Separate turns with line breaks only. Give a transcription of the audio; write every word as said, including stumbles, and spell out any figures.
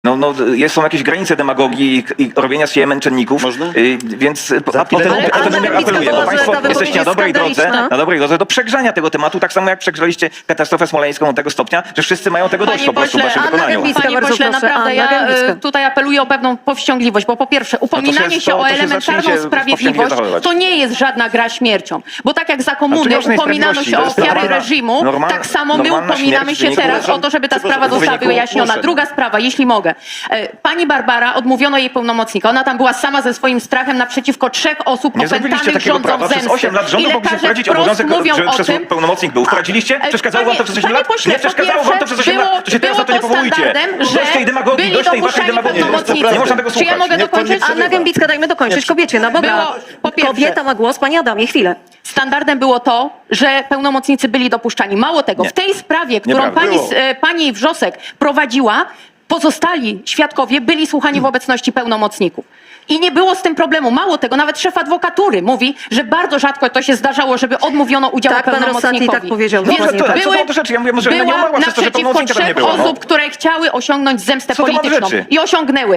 No, no, jest, są jakieś granice demagogii i, i robienia z siebie męczenników.
Można?
Y, więc a,
chwilę-
potem,
Ale
potem
Anna Dębicka
apeluję,
była,
bo
że
Państwo
ta wypowiedź
jesteście na
jest
dobrej drodze,
skandaliczna.
na dobrej drodze do przegrzania tego tematu, tak samo jak przegrzaliście katastrofę smoleńską do tego stopnia, że wszyscy mają tego dość
Panie
po prostu w
pośle,
waszym
Anna
wykonaniu.
Dębicka,
Panie
bardzo
pośle,
proszę,
naprawdę
Anna
ja
Dębicka.
e, tutaj apeluję o pewną powściągliwość, bo po pierwsze upominanie
to
się
to
o
się
elementarną
zacznijcie
sprawiedliwość
powściągliwie zachowywać.
to nie jest żadna gra śmiercią. Bo tak jak za
Ale
komuny
tu nie ma żadnej
upominano się o
sprawiedliwości, to jest
ofiary
normalna-
reżimu,
normal-
tak samo my
normalna
upominamy
śmierć w
się
wyniku-
teraz o to, żeby ta sprawa
Przepraszam,
została
w wyniku
wyjaśniona.
głoszeń.
Druga sprawa, jeśli mogę. E, Pani Barbara odmówiono jej pełnomocnika. Ona tam była sama ze swoim strachem naprzeciwko trzech osób
Nie zrobiliście
opętanych
takiego
rządzą
prawa. Przez
zemsty.
osiem lat
I
rządu mogliście
lekarze
wprowadzić
wprost
obowiązek,
mówią
żeby
o
przez
tym,
pełnomocnik był. Wprowadziliście?
E,
Przeszkadzało
panie-
wam to przez osiem
panie
lat?
pośle,
Nie przeszkadzało
po
wam to przez osiem
pierwsze,
lat? To się teraz
było
na to nie
to
powołujcie.
standardem, że
Dość tej demagogii,
byli
dość tej waszej
dopuszczani
demagogii.
pełnomocnicy.
Nie można tego
Czy ja
słuchać.
mogę
Niech pan nie
dokończyć?
przerywa.
Anna Gębicka, dajmy dokończyć. Kobiecie, na Boga.
Było, po pierwsze-
Kobieta ma głos, pani Adamie, chwilę.
Standardem było to, że pełnomocnicy byli dopuszczani. Mało tego,
Nie.
w tej sprawie, którą
Nieprawda.
pani,
Było.
e, pani Wrzosek prowadziła, pozostali świadkowie byli słuchani w obecności pełnomocników. I nie było z tym problemu. Mało tego, nawet szef adwokatury mówi, że bardzo rzadko to się zdarzało, żeby odmówiono udziału
Tak, pan
pełnomocnikowi.
Rosati tak powiedział,
Więc
dokładnie
to-
tak.
co to do rzeczy? Ja mówię, że ona nie
była
umarła przez to, że
naprzeciwko
pełnomocnika tam nie
trzech
było, no.
osób, które chciały osiągnąć zemstę
Co to ma do
polityczną.
rzeczy?
I osiągnęły.